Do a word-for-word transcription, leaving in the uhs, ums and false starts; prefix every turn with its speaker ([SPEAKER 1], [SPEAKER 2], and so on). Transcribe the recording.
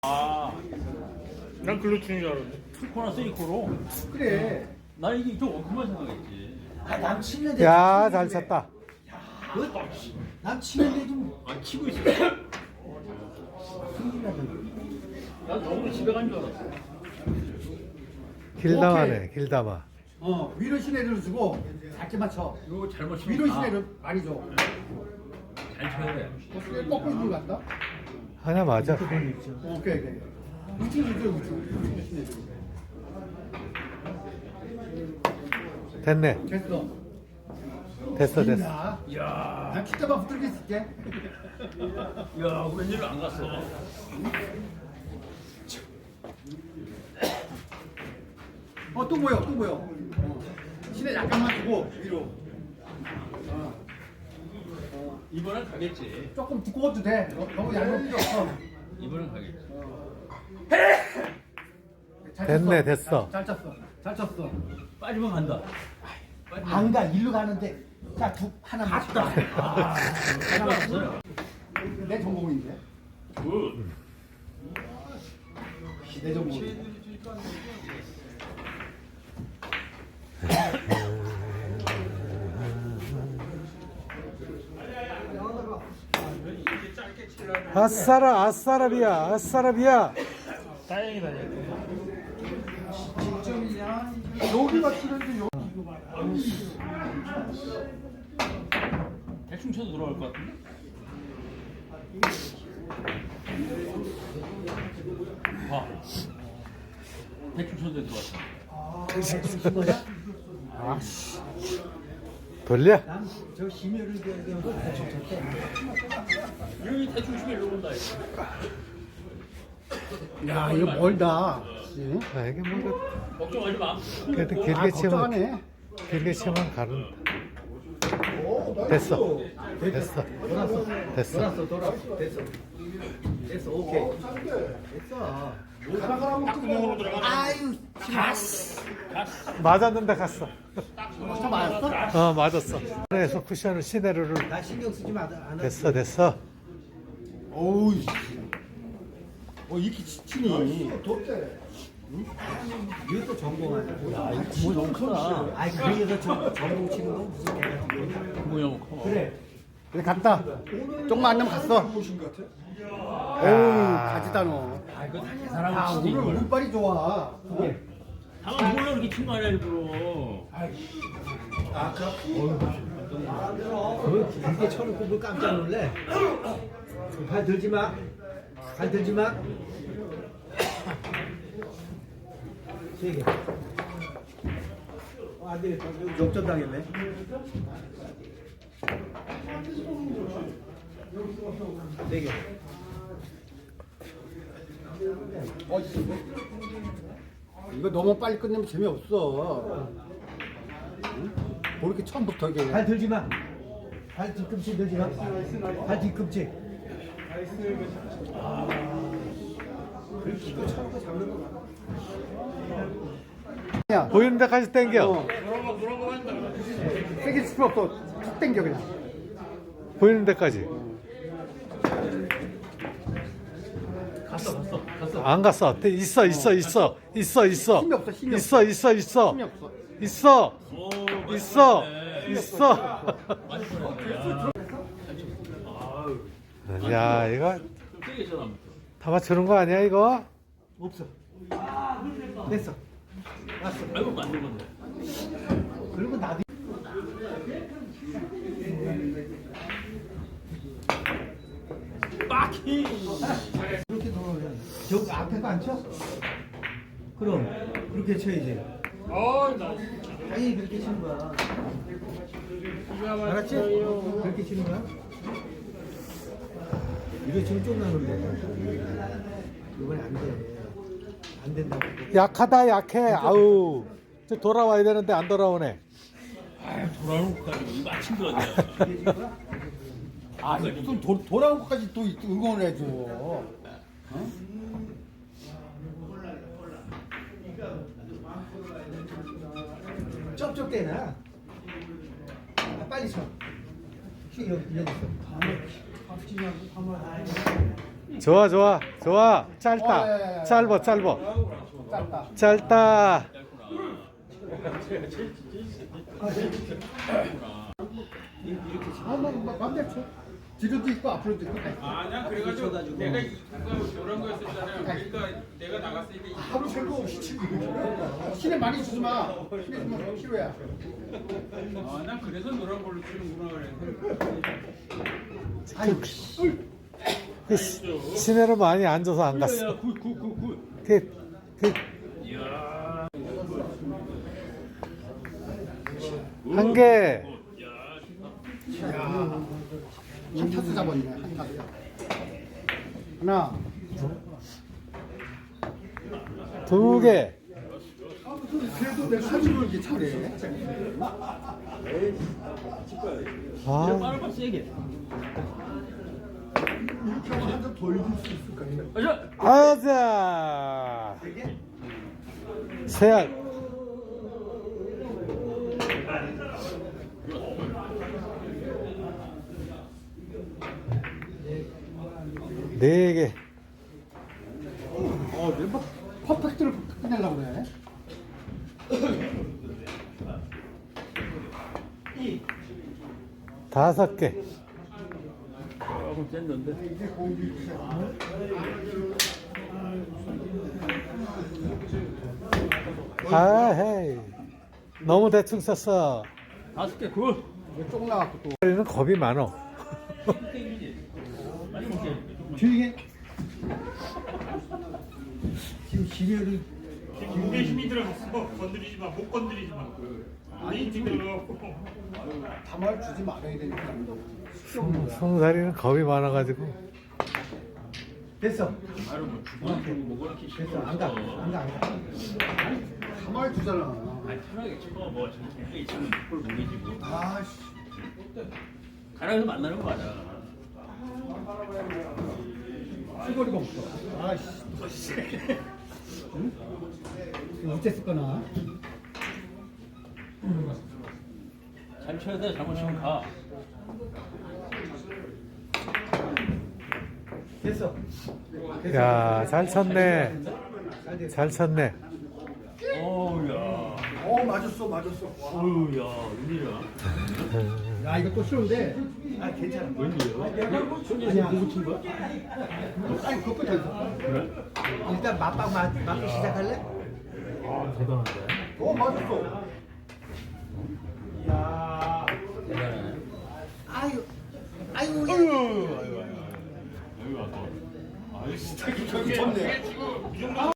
[SPEAKER 1] 아, 난 글루틴인 줄 알았는데.
[SPEAKER 2] 투코나 쓰리코로.
[SPEAKER 3] 그래.
[SPEAKER 2] 나 이게 좀 엉큼한 생각했지.
[SPEAKER 3] 아, 남 치는데.
[SPEAKER 4] 야, 잘 쳤다.
[SPEAKER 3] 남 치는데 좀.
[SPEAKER 2] 아, 치고 있어. 난 저번에 집에 간 줄 알았어.
[SPEAKER 4] 길담아네, 길담아.
[SPEAKER 3] 어, 위로 시내를 주고 작게 맞춰.
[SPEAKER 2] 이거 잘못 치면
[SPEAKER 3] 위로
[SPEAKER 2] 아,
[SPEAKER 3] 시내를 많이 줘.
[SPEAKER 2] 잘 쳐야 돼.
[SPEAKER 3] 어떻게 거꾸로 들고 간다?
[SPEAKER 4] 하나 맞아.
[SPEAKER 3] 어, 오케이, 오케이. 우측, 우측, 우측. 우측 시내 주고.
[SPEAKER 4] 됐네.
[SPEAKER 3] 됐어.
[SPEAKER 4] 됐어, 됐어.
[SPEAKER 3] 야,
[SPEAKER 2] 이야,
[SPEAKER 3] 난 kit자만 붙들게 있을게.
[SPEAKER 2] 야, 웬일로 안 갔어?
[SPEAKER 3] 어, 또 뭐야, 또 뭐야. 어. 시내 약간만 주고 위로.
[SPEAKER 2] 이번엔 가겠지.
[SPEAKER 3] 조금 두꺼워도 돼. 너- 너무 얇은 필요 없어.
[SPEAKER 2] 이번엔 가겠지.
[SPEAKER 3] 잘
[SPEAKER 4] 됐네,
[SPEAKER 3] 쳤어.
[SPEAKER 4] 됐어.
[SPEAKER 3] 잘, 잘 쳤어. 잘 쳤어.
[SPEAKER 2] 빠지면 간다. 빠지면
[SPEAKER 3] 안 가, 일로 가는데. 자, 두, 하나 맞다.
[SPEAKER 2] 아, 잘 갔어요.
[SPEAKER 3] 내 전공인데.
[SPEAKER 2] 굿.
[SPEAKER 3] 내 전공인데.
[SPEAKER 4] 아싸라, 아싸라비야, 아싸라비야.
[SPEAKER 1] 다행이다.
[SPEAKER 3] 여기가 치는데 요.
[SPEAKER 2] 대충 쳐도 들어갈 것 같은데? 봐. 대충 쳐도 들어갔어.
[SPEAKER 4] 돌려.
[SPEAKER 3] 저 심혈을 기하는 걸 대충 쳤대.
[SPEAKER 2] 여기 대충 치면 일로 온다. 이거.
[SPEAKER 3] 야, 이거 멀다.
[SPEAKER 4] 아, 이게 뭐,
[SPEAKER 2] 걱정하지 마.
[SPEAKER 4] 그래도
[SPEAKER 3] 아,
[SPEAKER 4] 길게 치면,
[SPEAKER 3] 걱정하네.
[SPEAKER 4] 길게 치면 가는. 됐어. 됐어.
[SPEAKER 3] 돌았어.
[SPEAKER 4] 됐어.
[SPEAKER 3] 돌았어, 돌았어. 됐어. 됐어, 오케이. 됐어.
[SPEAKER 1] 땅구멍으로 들어가네.
[SPEAKER 3] 아유, 가스.
[SPEAKER 4] 맞았는데 갔어.
[SPEAKER 3] 저 맞았어?
[SPEAKER 4] 어, 맞았어. 그래서 쿠션을 시내로를.
[SPEAKER 3] 나 신경 쓰지 마. 안
[SPEAKER 4] 됐어, 됐어.
[SPEAKER 3] 어우, 어, 이렇게 치- 치니. 이것도 전공하냐?
[SPEAKER 2] 야, 이거 구멍이 너무 크다.
[SPEAKER 3] 아이, 그래서 저 전공 치는 건 무슨 개야?
[SPEAKER 2] 구멍이 너무 커.
[SPEAKER 3] 그래.
[SPEAKER 4] 그래, 갔다.
[SPEAKER 3] 조금만 안 나면 갔어. 어우, 가지다 너.
[SPEAKER 2] 아, 이거 다 계산하고
[SPEAKER 3] 아,
[SPEAKER 2] 치지,
[SPEAKER 3] 오늘
[SPEAKER 2] 이걸.
[SPEAKER 3] 운빨이 좋아.
[SPEAKER 2] 다만 몰라 이렇게 친 거 아니야, 일부러.
[SPEAKER 3] 그 길게 쳐놓고 뭘 깜짝 놀래? 발 들지 마. 발 들지 마. 세 개. 어, 안 되겠다. 여기 역전 당했네. 네 개. 어, 이거. 이거 너무 빨리 끝내면 재미없어. 응? 뭐 이렇게 처음부터 이게. 발 들지 마. 발 뒤꿈치 들지 마. 발 뒤꿈치. 야,
[SPEAKER 4] 보이는 데까지 당겨.
[SPEAKER 3] 어. 세게 칠 필요 없어. 툭 당겨 그냥.
[SPEAKER 4] 보이는 데까지.
[SPEAKER 2] 갔어, 갔어, 갔어.
[SPEAKER 4] 안 갔어. 돼, 있어, 있어, 있어. 있어, 있어.
[SPEAKER 3] 힘이 없어, 힘이
[SPEAKER 4] 있어, 있어, 있어.
[SPEAKER 3] 힘이 없어.
[SPEAKER 4] 있어.
[SPEAKER 2] 오,
[SPEAKER 4] 있어.
[SPEAKER 2] 맞네.
[SPEAKER 4] 있어.
[SPEAKER 2] 많이 보냈네. 아유,
[SPEAKER 4] 야, 이거
[SPEAKER 2] 좀 세게 쳐, 나부터.
[SPEAKER 4] 다 맞추는 거 아니야, 이거?
[SPEAKER 3] 없어. 됐어. 왔어.
[SPEAKER 2] 아이고, 맞는 건데.
[SPEAKER 3] 그리고 나도
[SPEAKER 2] 빡히!
[SPEAKER 3] 그렇게 넣으면 저 앞에 거 안 쳐? 그럼 그렇게 쳐야지.
[SPEAKER 1] 어, 나
[SPEAKER 3] 아니 그렇게 치는 거야. 알았지? 그렇게 치는 거야? 이거 지금 좀 나는데. 이건 안 돼. 안 된다고.
[SPEAKER 4] 약하다, 약해. 아우. 저 돌아와야 되는데 안 돌아오네.
[SPEAKER 2] 아, 돌아오는 것까지 이거 맞힌 거 같냐.
[SPEAKER 3] 아, 무슨 도, 돌아온 것까지 또 응원을 해줘. 어? 쩝쩝대나? 아, 빨리 쳐. 여기 여기 있어.
[SPEAKER 4] 좋아 좋아 좋아.
[SPEAKER 3] 어, 예, 예,
[SPEAKER 4] 짧다.
[SPEAKER 3] 예.
[SPEAKER 4] 짧아 짧아.
[SPEAKER 3] 짧다.
[SPEAKER 4] 짧다.
[SPEAKER 3] 아, 뭐, 뭐, 맘대로 쳐. 뒤로도 있고 앞으로도 있고.
[SPEAKER 2] 아니야 그래가지고 내가 이거 이런 거였었잖아요. 그러니까 내가 나갔을 때
[SPEAKER 3] 하루 살고 없이 치고. 신에 많이 주지 마. 신에 주면 필요야.
[SPEAKER 2] 아난 그래서 노란 걸로 치는구나 그래.
[SPEAKER 3] 아유,
[SPEAKER 4] 그 시- 시내로 많이 앉아서 안 갔어.
[SPEAKER 2] 굿굿굿굿.
[SPEAKER 4] 그, 그, 한 개,
[SPEAKER 3] 야, 한 타수 잡았네. 한 타수. 하나.
[SPEAKER 4] 두 개.
[SPEAKER 3] 그래도 내 사주를 이렇게 잘해.
[SPEAKER 4] 아,
[SPEAKER 2] 빠르면 세게.
[SPEAKER 3] 이렇게 하면 한 점 더 이길 수 있을까?
[SPEAKER 4] 아자. 세알. 네 개.
[SPEAKER 3] 어, 내뭐 퍼펙트를 끝내려고 그래.
[SPEAKER 4] 다섯 개.
[SPEAKER 2] 조금 쨌는데.
[SPEAKER 4] 아헤이. 너무 대충 썼어.
[SPEAKER 2] 다섯 개 굿.
[SPEAKER 3] 이거 쪽 나갖고 또.
[SPEAKER 4] 우리는 겁이 많어.
[SPEAKER 3] 뒤에 지금 지뢰를
[SPEAKER 1] 무게 힘이 들어갔어. 건드리지 마. 못 건드리지 마. 아니 들어가고.
[SPEAKER 3] 담을 주지 말아야 되니까.
[SPEAKER 4] 송사리는 겁이 많아가지고.
[SPEAKER 3] 됐어.
[SPEAKER 2] 바로 뭐 주방 뭐 그렇게
[SPEAKER 3] 됐어. 안 가. 안 가. 안 가. 담을 주잖아.
[SPEAKER 2] 아니 편하게 쳐. 뭐 저기 치면 그걸 모르지 뭐.
[SPEAKER 3] 아씨.
[SPEAKER 2] 가랑에서 만나는 거 맞아.
[SPEAKER 3] 수거리가 없어. 아씨. 응? 이거 어째 거나?
[SPEAKER 2] 잘 쳐야 돼. 잘못 치면 가.
[SPEAKER 3] 됐어.
[SPEAKER 4] 야, 잘 쳤네. 잘 쳤네.
[SPEAKER 2] 어우야.
[SPEAKER 3] 어, 맞았어. 맞았어.
[SPEAKER 2] 어우야. 웬일이야.
[SPEAKER 3] 야, 이거 또 쉬운데. 아, 괜찮아.
[SPEAKER 2] 웬일이야? 손에서 공부 친 거야?
[SPEAKER 3] 아니, 그것도 됐어.
[SPEAKER 2] 그래?
[SPEAKER 5] 일단 맛방 맛, 맛기 시작할래?
[SPEAKER 2] 아 대단한데.
[SPEAKER 3] 어, 맞았어. 야.
[SPEAKER 2] 대단해.
[SPEAKER 5] 아유, 아유,
[SPEAKER 2] 아유 아유 아유. 여기 와서. 아유 진짜
[SPEAKER 3] 저기 좋네.
[SPEAKER 1] 지금 이 정도